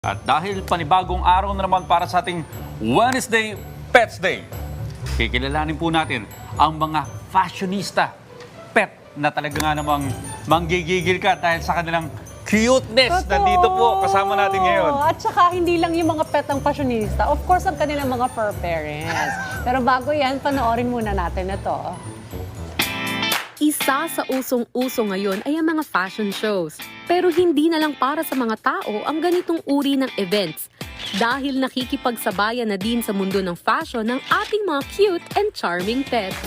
At dahil panibagong araw na naman para sa ating Wednesday Pets Day, kikilalanin po natin ang mga fashionista pet na talaga nga namang manggigigil ka dahil sa kanilang cuteness. Totoo. Nandito po kasama natin ngayon. At saka hindi lang yung mga pet ng fashionista. Of course, ang kanilang mga fur parents. Pero bago yan, panoorin muna natin ito. Isa sa usong-uso ngayon ay ang mga fashion shows. Pero hindi na lang para sa mga tao ang ganitong uri ng events. Dahil nakikipagsabayan na din sa mundo ng fashion ng ating mga cute and charming pets.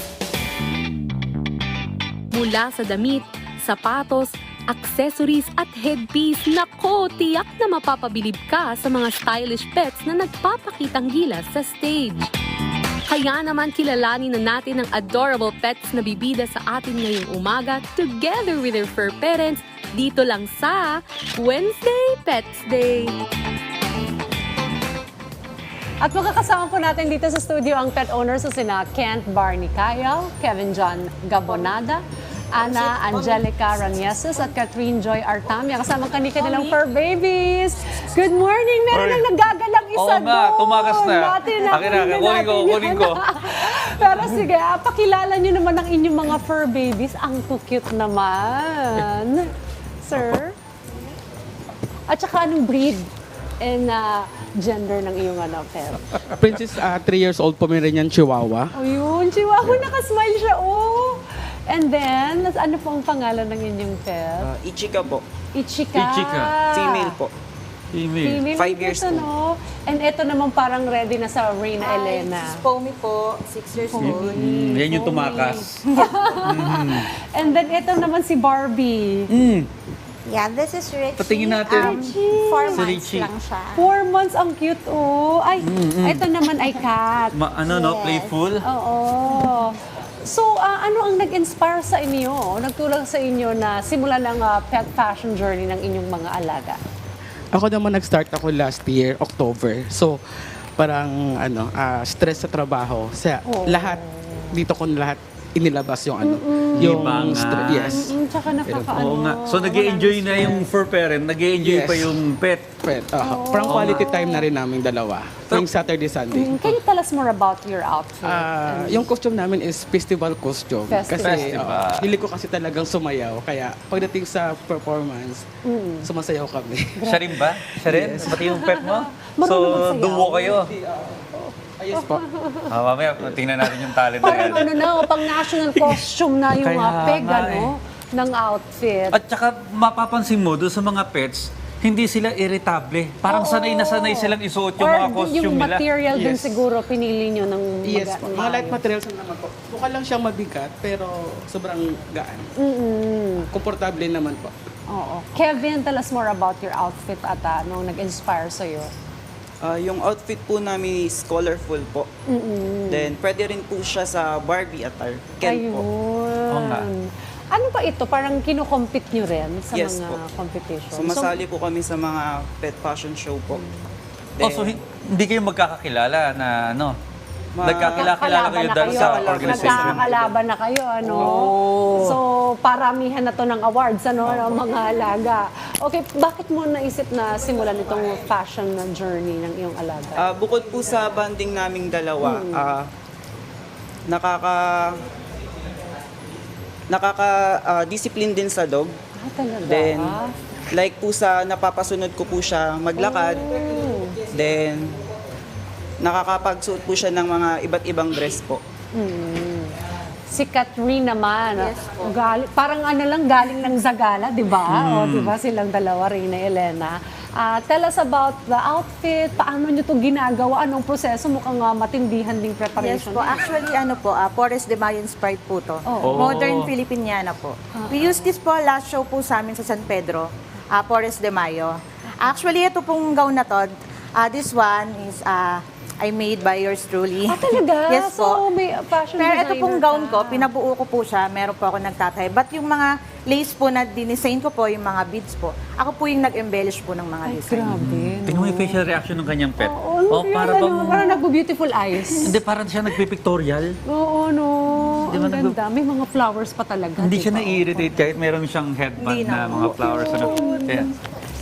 Mula sa damit, sapatos, accessories at headpiece, nako, tiyak na mapapabilib ka sa mga stylish pets na nagpapakitang gilas sa stage. Kaya naman kilalanin na natin ang adorable pets na bibida sa atin ngayong umaga together with their fur parents dito lang sa Wednesday Pets Day. At makakasama po natin dito sa studio ang pet owners sa sina Kent Barney Kayal, Kevin John Gabonada, Ana Angelica Ranieses at Catherine Joy Artamia. Kasama kanilang fur babies. Good morning! Meron lang nagagalang isa Oo nga, doon. tumakas na. Natin, Akin na, kunin ko. Pero sige, pakilala nyo naman ang inyong mga fur babies. Ang cute naman. Sir? At saka anong breed and gender ng iyong pet? Princess, 3 years old Pomeranian Chihuahua. O yun, Chihuahua, nakasmile siya, oh. And then, ano po ang pangalan ng inyong pet? Ichika po. Ichika. Ichika. Female po. Female. 5 years ito, old. no? And ito naman parang ready na sa Reyna Elena. Si Pomi po, 6 years old. Yan yung tumakas. And then ito naman si Barbie. Yeah, this is Richie. Patingin natin. 4 Si months Richie. lang siya. 4 months, ang cute, oh. Ay, ito naman ay cat. Playful? Oo. So, ano ang nag-inspire sa inyo? Nagtulong sa inyo na simulan ang pet fashion journey ng inyong mga alaga? Ako naman nag-start ako last year, October. So, parang stress sa trabaho. Lahat, dito ko lahat inilabas yung Libangan. yes. Tsaka nakakaano. Oo nga. So nag-i-enjoy na yung fur parent, nag-i-enjoy Yes. pa yung pet. Pet, parang quality time na rin namin dalawa. Tuwing Saturday, Sunday. Can you tell us more about your outfit? Yung costume namin is festival costume. Kasi Festival. hilig ko kasi talagang sumayaw. Kaya pagdating sa performance, sumasayaw kami. Siya rin ba? Siya rin? Pati yung pet mo? Marunong So, magsayaw? duo kayo. Ayos po. Mamaya, tingnan natin yung talent na yan. Parang pang national costume na yung Kaya peg, nga eh. ng outfit. At saka mapapansin mo, doon sa mga pets, hindi sila irritable. Parang sanay na sanay silang isuot yung mga costume yung nila. material dun Yes. siguro pinili nyo ng Yes po. Mga light materials na naman po. Mukha lang siyang mabigat, pero sobrang gaan. Komportable naman po. Oo. Kevin, tell us more about your outfit at nung nag-inspire sa'yo. Yung outfit po namin is colorful po. Then, pwede rin po siya sa Barbie attire. Ken po. Oo nga. Ayun. Ano ba ito? Parang kinocompete nyo rin sa Yes mga po. competition? Sumasali po kami sa mga pet fashion show po. Oh, so hindi kayo magkakakilala na nagkakilala kayo dahil sa organization. Nagkakalaban na kayo, So, paramihan na to ng awards, ng mga alaga. Okay, bakit mo naisip na simulan itong fashion na journey ng iyong alaga? Bukod po sa banding naming dalawa, nakaka-discipline din sa dog. Talaga? Then, like po sa napapasunod ko po siya maglakad. Then, nakakapagsuot po siya ng mga iba't ibang dress po. Si Catherine naman, Yes po. parang galing ng Zagala, di ba? O, di ba silang dalawa, Reyna Elena. Tell us about the outfit, paano nyo ito ginagawa, anong proseso, mukhang matindihan ding Yes preparation. po, actually Forest de Mayo inspired po to. Oh. Modern Filipiniana po. We used this po last show po sa amin sa San Pedro, Forest de Mayo. Actually, ito pong gown na to, this one is I made by yours truly. Talaga? Yes po. So, may fashion Pero ito designer pong gown ka. ko, pinabuo ko po siya, meron po ako nagtatay. But yung mga lace po na dinesign ko po, yung mga beads po, ako po yung nag-embellish po ng mga Ay, design. grabe. Tingnan mo yung facial reaction ng kanyang pet. Oo, parang nagbo-beautiful eyes. Hindi, parang siya nagpipictorial. Oo, no. Di ba Ang ganda. May mga flowers pa talaga. Hindi siya diba? na-irritate kahit meron siyang headband Hindi na na. mga flowers. Kaya,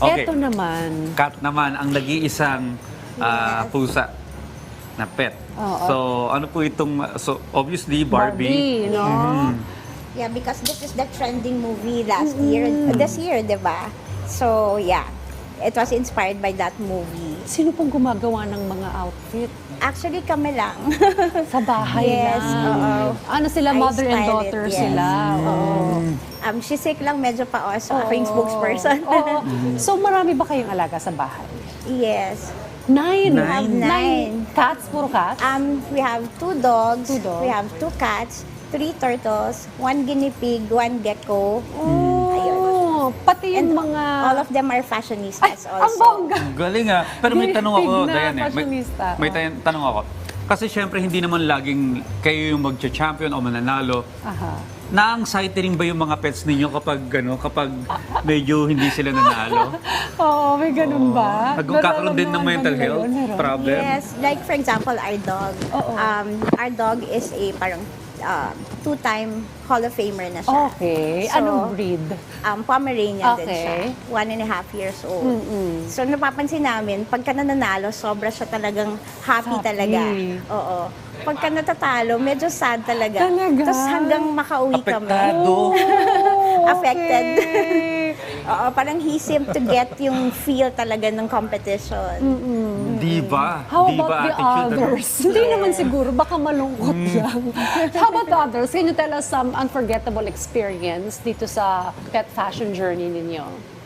Okay. Eto naman. Cat naman ang nag-iisang pusa na pet. Oo. So, ano po itong, so obviously Barbie. No? Yeah, because this is the trending movie last year, this year, di ba? So, yeah, it was inspired by that movie. Sino pong gumagawa ng mga outfit? Actually, kami lang. Sa bahay Yes, lang. oo. Ano sila, I mother and style it, daughter yes. sila. Oo. She's sick lang, medyo pa so ako yung spokesperson. Oo. So marami ba kayong alaga sa bahay? Yes. 9. We have 9. Cats? Puro cats? We have 2 dogs, 2 dogs. we have 2 cats, 3 turtles, 1 guinea pig, 1 gecko. Ayun. Oh, pati yung mga... All of them are fashionistas Ang also. bongga! Ang galing ah. Pero may tanong ako, Big na Diane. May, fashionista. may tanong ako. Kasi syempre hindi naman laging kayo yung magcha-champion o mananalo. Aha. Na-anxiety rin ba yung mga pets ninyo kapag medyo hindi sila nanalo? Oo, may ganun ba? Nagkakaroon din ng mental Nararamdaman health mo yun, meron? problem? Yes, like for example, our dog. Oo. Our dog is a parang 2-time Hall of Famer na siya. Okay. So, Anong breed? Pomeranian din Okay. siya. 1.5 years old. So napapansin namin, pagka nananalo, sobra siya talagang happy Happy. talaga. Oo. Pagka natatalo, medyo sad talaga. Talaga? Tapos hanggang makauwi kami. Apektado. Affected. Okay. Oo, parang he seemed to get yung feel talaga ng competition. Diva. How Diva about the attitude, ano? others? Hindi naman siguro, baka malungkot lang. How about the others? Can you tell us some unforgettable experience dito sa pet fashion journey ninyo?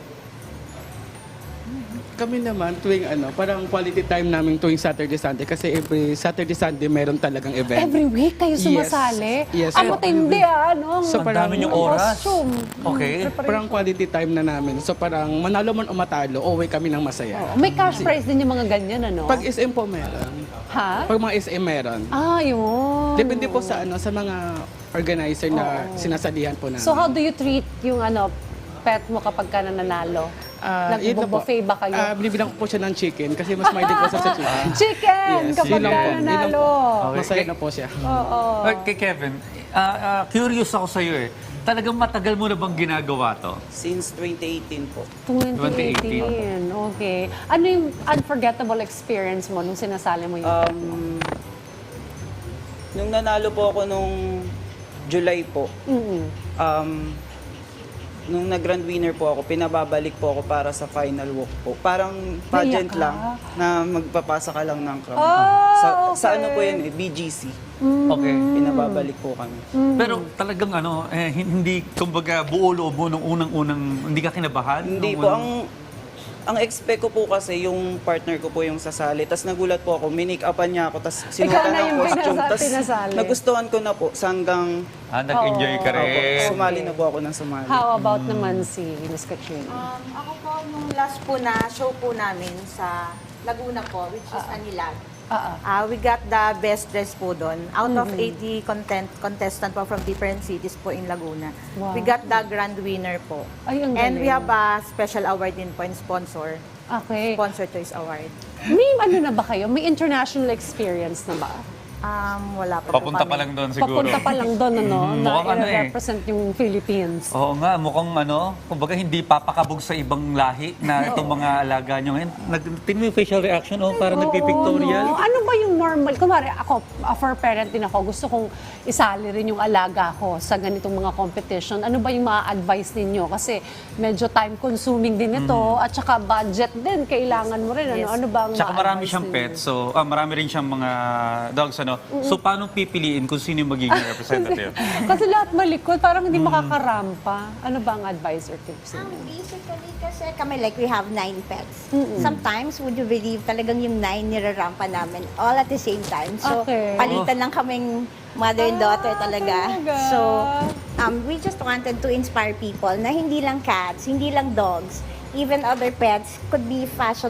Kami naman tuwing parang quality time namin tuwing Saturday, Sunday kasi every Saturday, Sunday meron talagang event. Every week kayo sumasali? Yes. Ang matindi no? So, Ang parang- dami niyong oras. Costume. Okay. Parang quality time na namin. So parang manalo man o matalo, uwi kami ng masaya. Oo, may cash prize din yung mga ganyan, ano? Pag SM po meron. Ha? Pag mga SM meron. Ah, yun. Depende po sa sa mga organizer na sinasalihan po namin. So how do you treat yung pet mo kapag ka nananalo? Yun lang po. Nag-buffet ba kayo? Binibilang ko po siya ng chicken kasi mas mahilig ko sa chicken. Chicken! Yes, Kapag yun lang ka po. Yun lang nanalo. Okay. Masaya na po siya. Oo. Kay Kevin, curious ako sa iyo eh. Talagang matagal mo na bang ginagawa to? Since 2018 po. 2018. Okay. Ano yung unforgettable experience mo nung sinasali mo yung pet mo? Nung nanalo po ako nung July po, nung nag-grand winner po ako, pinababalik po ako para sa final walk po. Parang pageant Naiyak ka? lang na magpapasa ka lang ng crown. Ah, Sa ano po okay. yun BGC. Okay. Pinababalik po kami. Pero talagang hindi, kumbaga, buo loob mo nung unang-unang, hindi ka kinabahan? Hindi Nung po, unang- ang expect ko po kasi yung partner ko po yung sasali. Tapos nagulat po ako, minake-upan niya ako, tapos sinuotan na ng yung costume. Tapos pinasali. nagustuhan ko na po, sa hanggang nag-enjoy ka rin. sumali na po ako ng sumali. How about naman si Miss Katrina? Ako po, nung last po na show po namin sa Laguna po, which is Anilag. We got the best dress po doon. Out of 80 contestant po from different cities po in Laguna. Wow. We got the grand winner po. Ay, ang And we galing. have a special award din po in sponsor. Okay. Sponsor Choice Award. May na ba kayo? May international experience na ba? Wala pa po Papunta kami. pa lang doon siguro. Papunta pa lang doon, na Mukhang i-represent yung Philippines. Oo nga, mukhang kumbaga hindi papakabog sa ibang lahi na itong mga alaga nyo ngayon. Tingnan mo yung facial reaction, parang nagpipictorial. No? Ano ba yung normal? Kunwari, ako, for parent din ako, gusto kong isali rin yung alaga ko sa ganitong mga competition. Ano ba yung ma-advise ninyo? Kasi medyo time-consuming din ito at saka budget din. Kailangan mo rin. Ano ba ang Tsaka marami ma-advise siyang ninyo? pets, so marami rin siyang mga dogs, So paano pipiliin kung sino yung magiging representative? Kasi lahat malikot, parang hindi makakarampa. Ano ba ang advice or tips ninyo? Basically, kasi kami like we have 9 pets. Sometimes, would you believe, talagang yung 9 nirarampa namin all at the same time. So, Okay. palitan lang kaming mother and daughter talaga. talaga? So, we just wanted to inspire people na hindi lang cats, hindi lang dogs, even other pets could be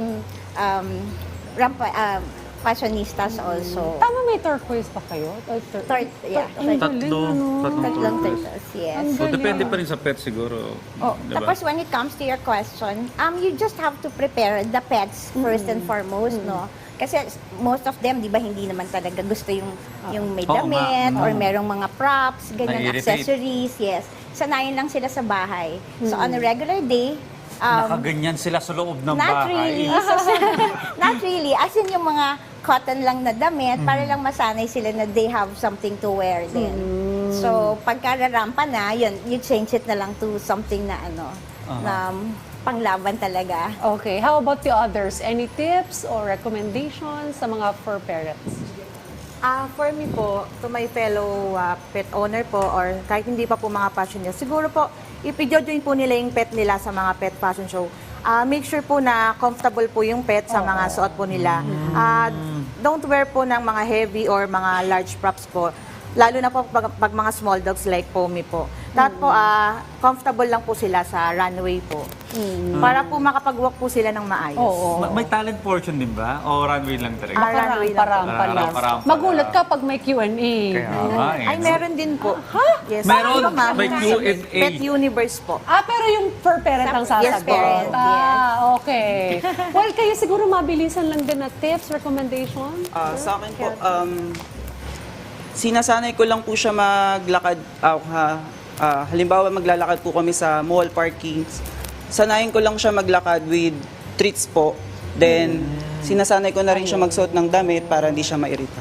fashionistas also. Tama, may turquoise pa kayo? Yeah, Ang galing, Tatlong tatlong turtles. turtles, yes. Ang So galing. depende pa rin sa pet siguro. Diba? Tapos when it comes to your question, you just have to prepare the pets first and foremost, no? Kasi most of them, di ba, hindi naman talaga gusto yung may Oo nga. damit or merong mga props, ganyan, Nai-irritate. accessories, yes. Sanayin lang sila sa bahay. So on a regular day, Nakaganyan sila sa loob ng Not bahay. really. Not really. As in yung mga cotton lang na damit, para lang masanay sila na they have something to wear din. So, pagkararampa na, yun, you change it na lang to something na na panglaban talaga. Okay, how about the others? Any tips or recommendations sa mga fur parents? For me po, to my fellow pet owner po, or kahit hindi pa po mga fashionista, siguro po, i-join po nila yung pet nila sa mga pet fashion show. Make sure po na comfortable po yung pet sa mga suot po nila. Don't wear po ng mga heavy or mga large props po. Lalo na po pag mga small dogs like Pomi po. Dapat po, comfortable lang po sila sa runway po. Para po makapag-walk po sila ng maayos. Oo. May talent portion din ba? O runway lang talaga? Runway lang po. Rampa lang. Rampa. Magulat ka pag may Q&A. Kaya nga eh. Ay, meron din po. Yes. Meron? Ano, ma'am? May Q&A. Pet Universe po. Pero yung fur parent ang sasagot. Yes, parent, Okay. Well, kayo siguro mabilisan lang din na tips, recommendation? Sa akin po, sinasanay ko lang po siya maglakad. Halimbawa, maglalakad po kami sa mall parkings. Sanayin ko lang siya maglakad with treats po. Then, sinasanay ko na rin siya magsuot ng damit para hindi siya mairita.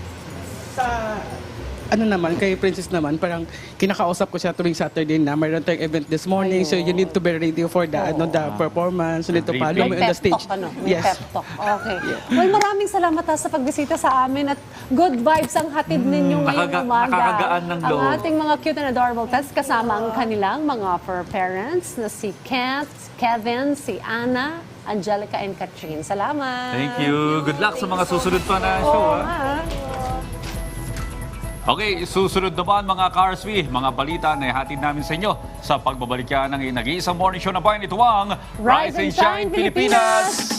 Ano naman, kay Princess naman, parang kinakausap ko siya tuwing Saturday na mayroon tayong event this morning, so you need to be ready for the the performance, you need to follow me on May the pep stage. talk, ano? May Yes. pep talk. Okay. Well, maraming salamat sa pagbisita sa amin at good vibes ang hatid ninyo ngayong umaga. nakakagaan ng loob. Ang ating mga cute and adorable pets kasama ang kanilang mga fur parents na si Kent, Kevin, si Anna, Angelica, and Catherine. Salamat. Thank you. Good luck sa mga susunod pa na show. Oo ha? nga. Okay, susunod naman mga Carsby, mga balita na ihatid namin sa inyo sa pagbabalik yan ng nag-iisang morning show na bayan. Ito ang Rise and Shine, Pilipinas!